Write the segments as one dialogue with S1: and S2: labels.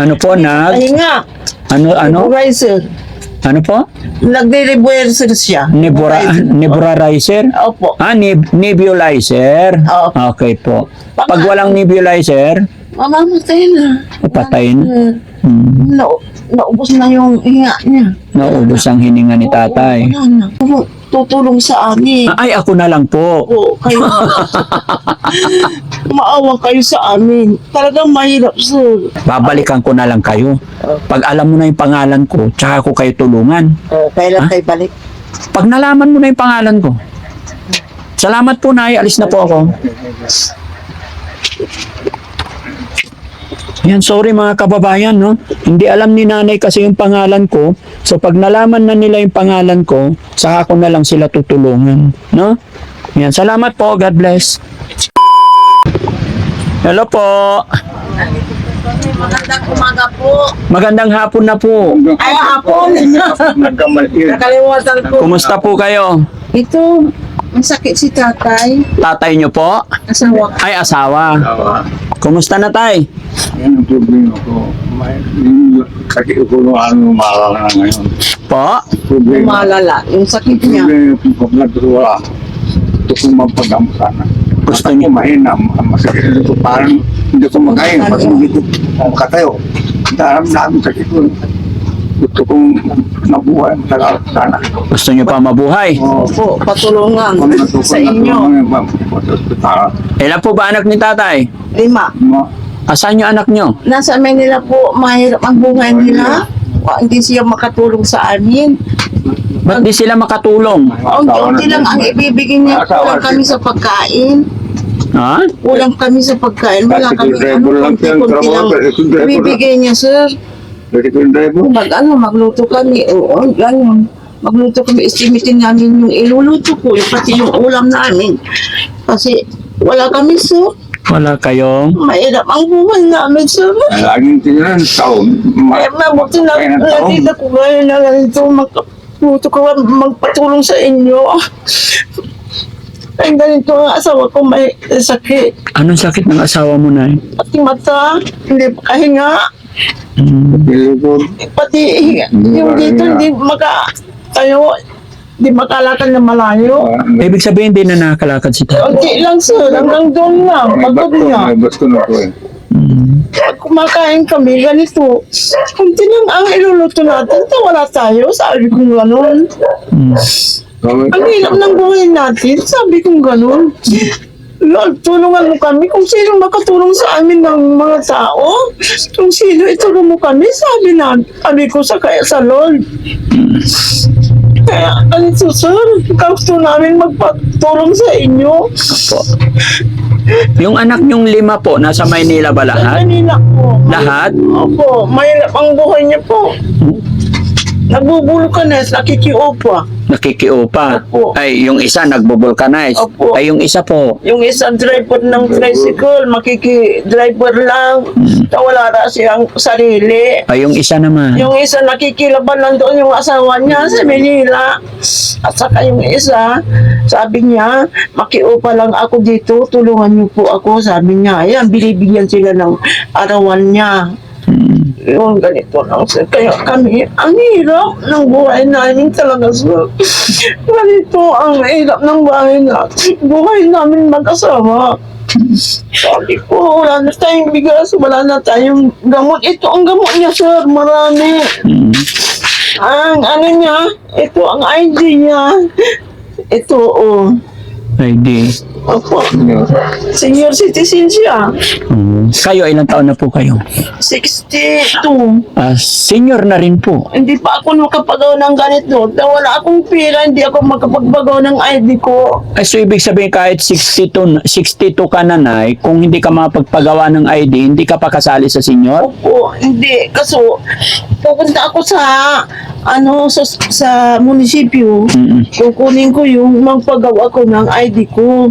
S1: Ano po,
S2: Pahinga.
S1: Ano?
S2: Nebulizer.
S1: Ano po?
S2: Nagde-nebulizer siya.
S1: Nebularizer?
S2: Opo.
S1: Nebulizer?
S2: Opo.
S1: Okay po. Pag walang nebulizer,
S2: Mamamatay na.
S1: patay na.
S2: Naubos na yung hinga niya.
S1: Naubos ang hininga ni tatay.
S2: Wala na. Tutulong sa amin.
S1: Ay, ako na lang po.
S2: Oo, kayo. Maawa kayo sa amin. Talagang mahirap, sir.
S1: Babalikan ko na lang kayo. Pag alam mo na yung pangalan ko, tsaka ko kayo tulungan.
S2: Kailan kayo balik?
S1: Pag nalaman mo na yung pangalan ko. Salamat po, Nay. Alis na po ako. Yan, sorry mga kababayan, no? Hindi alam ni nanay kasi yung pangalan ko. So, pag nalaman na nila yung pangalan ko, saka ko na lang sila tutulungan, no? Yan, salamat po. God bless. Hello po.
S2: Magandang umaga po.
S1: Magandang hapon na po.
S2: Ay, hapon. Nakalimutan ko.
S1: Kumusta po kayo?
S2: Ito, ang sakit si tatay.
S1: Tatay nyo po?
S2: Asawa ko.
S1: Ay, asawa. Kumusta na, tay?
S3: Yan ang problema ko. Yung sakit ko nung malala na ngayon.
S1: Po?
S3: Problema.
S2: Malala, yung sakit niya.
S3: Problema yung paglag ko wala. Gusto ko mapagamot sana.
S1: Gusto
S3: Gusto
S1: niyo?
S3: ko mahina. Masakit ko parang hindi ko makain. Pag hindi ko makatayo. Daram namin sakit ko. Gusto kong nabuhay. Talaga sana.
S1: Gusto nyo pa mabuhay?
S2: Opo, patulungan sa inyo.
S1: Ilan po ba anak ni tatay?
S2: 5.
S1: Asan yung anak nyo?
S2: Nasa Manila po, mahirap ang buhay nila. Hindi siya makatulong sa amin.
S1: Ba't di sila makatulong?
S2: Unti-unti lang ang ibibigay niya. Kulang kami sa pagkain.
S1: Ha?
S2: Kulang kami sa pagkain. Wala kami kunti-kunti lang ibibigay niya, sir. Magluto kami. Oo, ganun. Magluto kami. Estimitin namin yung iluluto ko. Pati yung ulam namin. Kasi wala kami, sir.
S1: Wala kayong?
S2: Mahirap ang buhay namin, sir.
S3: Laging tingnan taon.
S2: Mabuti na nakita ko ngayon na ganito. Magluto ko, magpatulong sa inyo. Ay, ganito ang asawa ko may sakit.
S1: Anong sakit ng asawa mo, Nay?
S2: Pati mata, hindi makahinga. Pati yung dito, hindi tayo, hindi makalakad na malayo.
S1: Ibig sabihin, hindi na nakakalakad si tatay.
S2: Unti lang, sir. Hanggang doon lang. Pagod niya.
S3: Basta na ko eh.
S2: Pag kumakain kami, ganito. Kunti lang ang iluluto natin. Wala tayo. Sabi kong gano'n. Ang hirap ng buhay natin. Sabi kong gano'n. Lord, tulungan mo kami kung sino makatulong sa amin ng mga tao. Kung sino itulong mo kami, sabi ko sa Lord. Kaya, ganito, sir. Gusto namin magpatulong sa inyo.
S1: Opo. Yung anak nyong 5 po, nasa Maynila ba lahat?
S2: Kanina po.
S1: Lahat?
S2: Opo, mahirap ang buhay niya po. Nagbubulkanes, nakikiupa.
S1: Nakikiupa.
S2: Opo.
S1: Ay, yung isa nagbubulkanize.
S2: Opo.
S1: Ay, yung isa po.
S2: Yung isang driver ng tricycle, makiki-driver lang. Wala na siyang sarili.
S1: Ay, yung isa naman.
S2: Yung isa nakikilaban lang doon yung asawa niya sa Manila. At saka yung isa, sabi niya, makiupa lang ako dito, tulungan niyo po ako. Sabi niya, ayan, binibigyan sila ng arawan niya. Yung ganito lang, sir. Kaya kami, ang hirap ng buhay namin talaga, sir. Ganito ang hirap ng buhay namin mag-asawa. Sabi ko, wala na tayong bigas, wala na tayong gamot. Ito ang gamot niya, sir, marami. Ang ano niya, ito ang ID niya. Ito, oh.
S1: ID.
S2: Opo. Senior citizen siya.
S1: Kayo, ilang taon na po kayo?
S2: 62.
S1: Senior na rin po.
S2: Hindi pa ako makapagawa ng ganito. Wala akong pera, hindi ako makapagbagaw ng ID ko.
S1: Ay, so ibig sabihin kahit 62 ka na, Nay, kung hindi ka makapagpagawa ng ID, hindi ka pa kasali sa senior?
S2: Opo, hindi. Kaso, pupunta ako sa munisipyo. Kukunin ko yung magpagawa ko ng ID ko.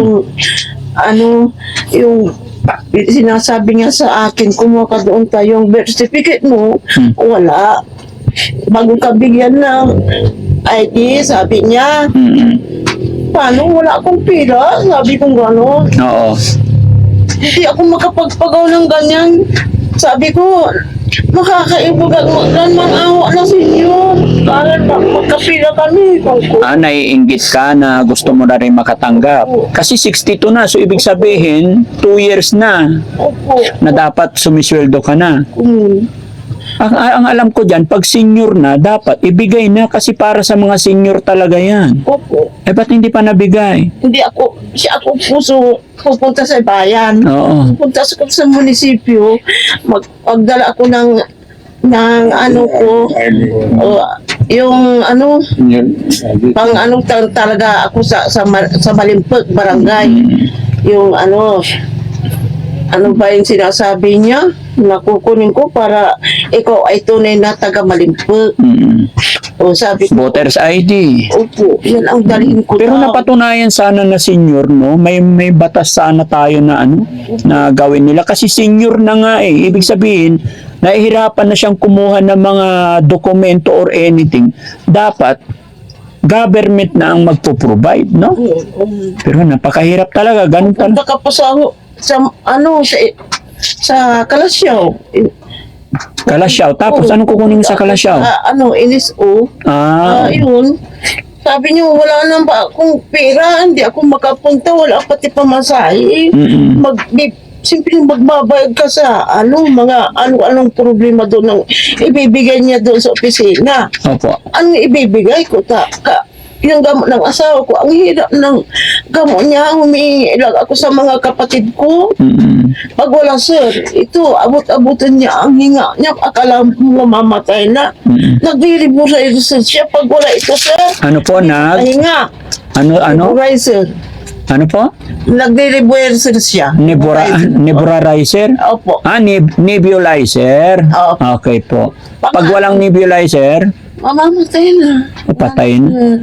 S2: Yung sinasabi niya sa akin, kumuha ka doon tayong birth certificate mo. Wala. Bago ka bigyan ng ID, sabi niya. Paano? Wala akong pera. Sabi kong gano'n.
S1: Oo.
S2: Hindi ako makapagpagaw ng ganyan. Sabi ko, makakaibog ang awa na sa inyo. Para magkapila kami.
S1: Naiinggit ka na gusto mo na rin makatanggap. Kasi 62 na, so ibig sabihin, 2 years na
S2: Opo.
S1: na dapat sumisweldo ka na. Ang alam ko dyan, pag senior na, dapat ibigay na kasi para sa mga senior talaga yan.
S2: Opo.
S1: Ba't hindi pa nabigay?
S2: Hindi ako, ako puso pupunta sa bayan.
S1: Oo.
S2: Pupunta ako sa munisipyo. Magdala ako ng ano ko, yung ano, pang ano talaga ako sa Malimpag, barangay. Yung ano ba yung sinasabi niya? Nakukunin ko para ikaw ay tunay na taga Malimpag. O sabi ko,
S1: Voters ID.
S2: opo, yan ang dalhin ko.
S1: Pero
S2: daw.
S1: napatunayan sana na senior, no? May batas sana tayo na na gawin nila kasi senior na nga eh. Ibig sabihin, nahihirapan na siyang kumuha ng mga dokumento or anything. Dapat government na ang magpo-provide, no? Pero napakahirap talaga, ganun talaga.
S2: Punta ka pa sa Kalasyaw.
S1: Kalasyaw. Tapos anong kukunin mo sa Kalasyaw?
S2: NSO. Yun. Sabi niyo, wala na ba akong pera, hindi ako makapunta, wala pati pamasahe. Simple magbabayad ka sa anong problema doon ng ibibigay niya doon sa opisina.
S1: Opo.
S2: Ang ibibigay ko, yung gamot ng asawa ko, ang hirap ng gamot niya, humihingi lang ako sa mga kapatid ko. Pag wala, sir, ito, abot-abutan niya ang hinga niya, akala mo mamamatay na. Nagdiribo sa ito, sir, siya, pag wala ito, sir,
S1: Ano po,
S2: hinga.
S1: Ano?
S2: Sir.
S1: Ano po?
S2: Nagdiribuer siya.
S1: Nebulizer?
S2: Opo.
S1: Nebulizer?
S2: Opo.
S1: Okay po. Pag walang nebulizer,
S2: Mamamatay na.
S1: patay na.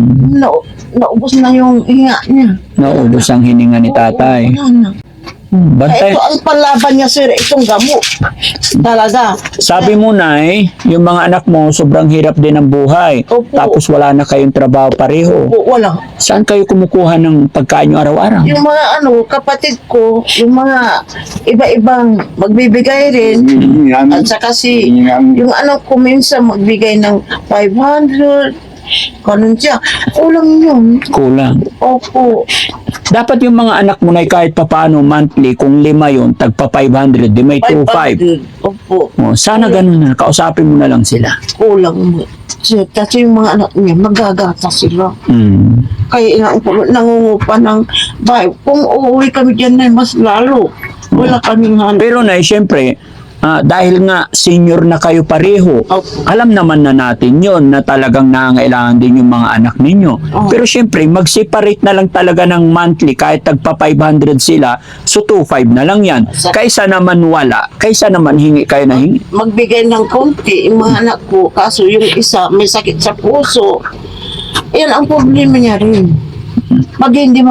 S2: Naubos na yung hinga niya.
S1: Naubos ang hininga ni tatay.
S2: Wala na.
S1: Bantay.
S2: Ito ang panlaban niya, sir, itong gamot. Talaga.
S1: Sabi mo, Nay, yung mga anak mo, sobrang hirap din ang buhay.
S2: Opo.
S1: Tapos wala na kayong trabaho pareho.
S2: Wala.
S1: Saan kayo kumukuha ng pagkain nyo araw-araw?
S2: Yung mga kapatid ko, yung mga iba-ibang magbibigay rin. At saka yung anak ko minsan magbigay ng 500. Ganun siya. Kulang yun.
S1: Kulang.
S2: Opo.
S1: Dapat yung mga anak mo na kahit papaano monthly, kung 5 yun, tagpa 500, di may 2,500.
S2: 500. Opo.
S1: Sana ganun na. Kausapin mo na lang sila.
S2: Kulang mo. Kasi yung mga anak niya, magagata sila. Kaya nangungupa ng bahay. Kung uuwi kami dyan na mas lalo. Wala kaming hanap.
S1: Pero na, siyempre, dahil nga senior na kayo pareho, alam naman na natin yon na talagang nangangailangan din yung mga anak ninyo. Pero siyempre, mag-separate na lang talaga ng monthly kahit tagpa 500 sila, so 2,500 na lang yan. Kaysa naman wala, kaysa naman hingi kayo na hingi.
S2: Magbigay ng konti yung mga anak ko, kaso yung isa may sakit sa puso. Yan ang problema niya rin. Hindi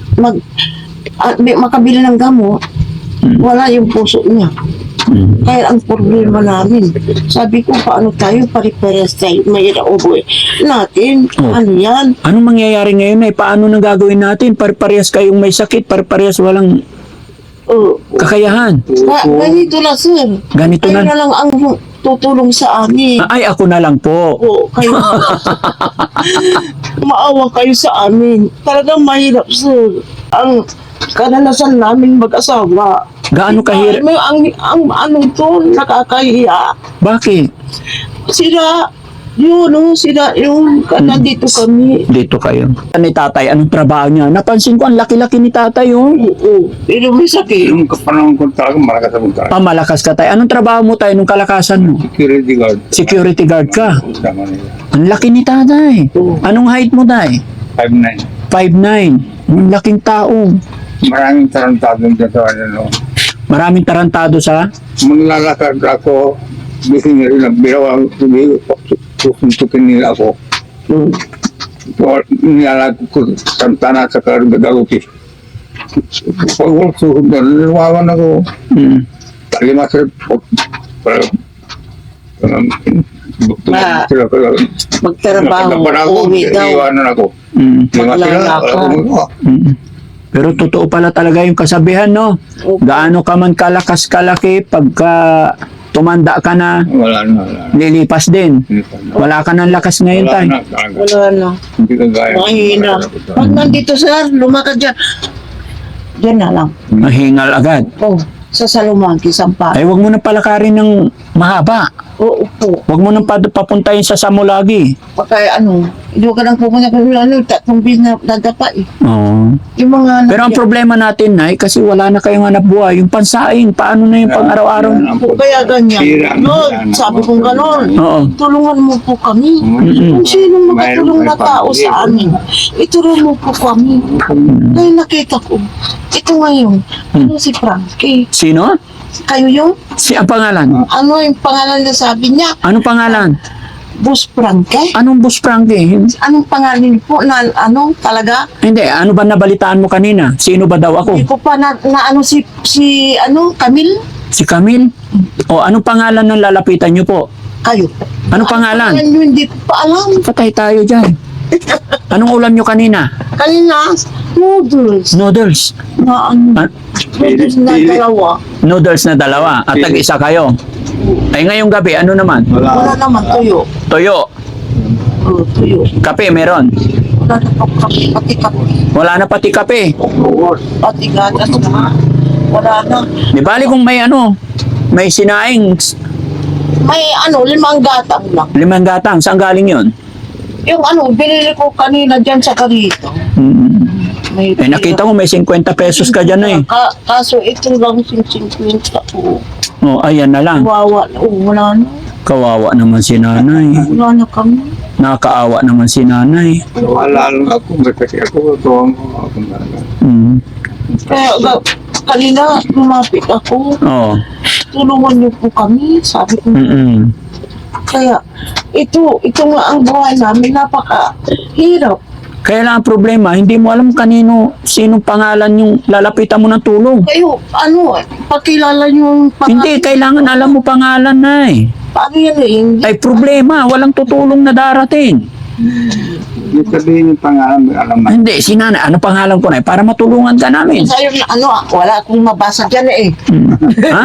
S2: makabili ng gamot, wala yung puso niya. Kaya ang problema namin, sabi ko, paano tayo pare-pares tayo, may nauboy natin, ano yan?
S1: Anong mangyayari ngayon ay paano nang gagawin natin? Pare-parehas kayong may sakit, pare-parehas walang kakayahan.
S2: Ganito na, sir.
S1: Ganito
S2: Kayo
S1: na.
S2: na lang ang tutulong sa amin.
S1: Ay, ako na lang po.
S2: Kayo maawa kayo sa amin. Talagang mahirap, sir. Ang kadalasan namin mag-asawa.
S1: Gaano kahirap?
S2: Ang ano to, nakakahiya.
S1: Bakit?
S2: Sila yung nandito kami.
S1: Dito kayo. Ni tatay, anong trabaho niya? Napansin ko, ang laki-laki ni tatay, oh.
S2: Oo. Pero may sakit.
S3: Yung kapanahon ko talaga malakas ang mukha.
S1: Malakas ka tayo. Anong trabaho mo tayo nung kalakasan mo?
S3: Security guard.
S1: Security guard ka.
S3: Sama nila.
S1: Ang laki ni tatay. Anong height mo, tay?
S3: 5'9".
S1: 5'9". Ang laking tao.
S3: Maraming tarantadong dyan sa ano.
S1: Maraming tarantado sa...
S3: Maglalakad ako, gusto nila rin nagbiraw ang susuntukin nila ako. So, nilalag ko santana sa Garuti. Pag wala susunod, niliwawan ako. Talima sila.
S2: Magtrabaho, uwi daw.
S3: Iwanan ako. Lima sila.
S1: Pero totoo pala talaga yung kasabihan, no? Gaano ka man kalakas kalaki, pagka tumanda ka na,
S3: Wala na, wala na.
S1: lilipas din. Wala ka ng lakas ngayon,
S3: Wala
S1: tay.
S3: na, talaga.
S2: Wala na.
S3: Hindi ka gaya.
S2: Mahina. Pag nandito sir, lumakad dyan. Diyan na lang.
S1: Mahingal agad.
S2: Oh, sa Salumangki, Sampa.
S1: Ay, wag mo na palakarin ng mahaba.
S2: Oo po.
S1: Wag mo nang papuntahin sa Samulagi.
S2: Pagka hindi ka lang pumunta kung tatlong bis na nadapa eh.
S1: Oo.
S2: Yung mga
S1: Pero ang problema natin, Nay, kasi wala na kayong hanap buhay. Yung pansaing, paano na yung pang-araw-araw?
S2: po kaya ganyan. No, sabi kong gano'n.
S1: Oo.
S2: Tulungan mo po kami.
S1: Mm-mm.
S2: Kung sinong makatulong na tao sa amin, itulong mo po kami. Dahil nakita ko, ito ngayon, ano si Frankie?
S1: Sino?
S2: Kayo yung,
S1: Ang pangalan?
S2: ano yung pangalan na sabi niya?
S1: Anong pangalan?
S2: Boss Frankie?
S1: Anong Boss Frankie?
S2: Anong pangalan po na ano talaga?
S1: Hindi, ano ba nabalitaan mo kanina? Sino ba daw ako?
S2: Hindi ko pa na ano si Camille?
S1: Si Camille? O anong pangalan ng lalapitan niyo po?
S2: Kayo.
S1: Anong pangalan?
S2: Pangalan nyo, hindi ko pa alam.
S1: Patay tayo dyan. Anong ulam niyo kanina?
S2: Kanina, noodles.
S1: Noodles.
S2: Na ano,
S1: Ah,
S2: noodles na dalawa.
S1: noodles na dalawa. At tag-isa kayo. Ay ngayong gabi, ano naman?
S2: Wala naman, tuyo.
S1: Toyo.
S2: Oh, tuyo.
S1: Kape meron.
S2: Wala na pati kape.
S1: Wala na pati kape.
S2: Pati gatas na. Wala na.
S1: Di bali kung may ano, may sinaing,
S2: May 5 gatang lang.
S1: 5 gatang. Saan galing yun?
S2: Yung binili ko kanina dyan sa Carito.
S1: Hmm.
S2: May
S1: Eh nakita ko may 50 pesos ka dyan eh.
S2: Kaso ito lang 50 po.
S1: Oh, ayan na lang.
S2: Wala na.
S1: Kawawa naman si nanay.
S2: Wala na kami.
S1: Nakakaawa naman si nanay.
S3: Wala lang ako. Kasi ako, tuwang ako.
S1: Hmm.
S2: Kaya kanina lumapit ako.
S1: Oh.
S2: Tulungan niyo po kami. Sabi ko.
S1: Mm-mm.
S2: Kaya ito nga ang buhay namin. Napakahirap.
S1: Kaya lang ang problema, hindi mo alam kanino, sinong pangalan yung lalapitan mo ng tulong.
S2: Kayo, pakilala niyo yung
S1: Hindi, kailangan alam mo pangalan na eh.
S2: Paano yan eh? Hindi.
S1: Ay problema, walang tutulong na darating.
S3: Yung sabihin yung pangalan, may alam na.
S1: Hindi, si nanay, ano pangalan ko na eh, para matulungan ka namin.
S2: Sa'yo wala akong mabasa dyan eh.
S1: Hmm. Ha?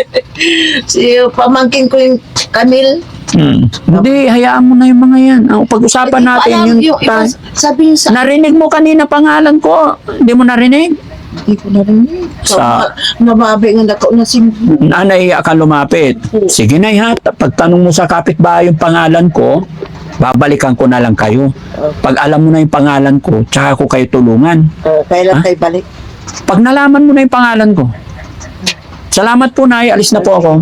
S2: Si pamangkin ko yung Camille.
S1: Hindi, hayaan mo na yung mga yan. Ang pag-usapan natin yung
S2: sabihin sa...
S1: narinig mo kanina pangalan ko. Hindi mo narinig?
S2: Hindi ko narinig. Nababi nga na si...
S1: Nanay ka lumapit. Sige na ha, pagtanong mo sa kapitbahay yung pangalan ko, babalikan ko na lang kayo. Pag alam mo na yung pangalan ko, tsaka ko kayo tulungan.
S2: Kailan
S1: Ha?
S2: kayo balik?
S1: Pag nalaman mo na yung pangalan ko. Salamat po, Nay. Alis na po ako.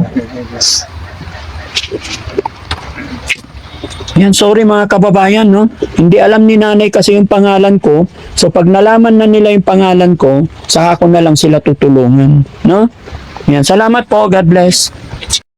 S1: Yan, sorry mga kababayan, no? Hindi alam ni nanay kasi yung pangalan ko. So, pag nalaman na nila yung pangalan ko, saka ko na lang sila tutulungan, no? Yan, salamat po. God bless.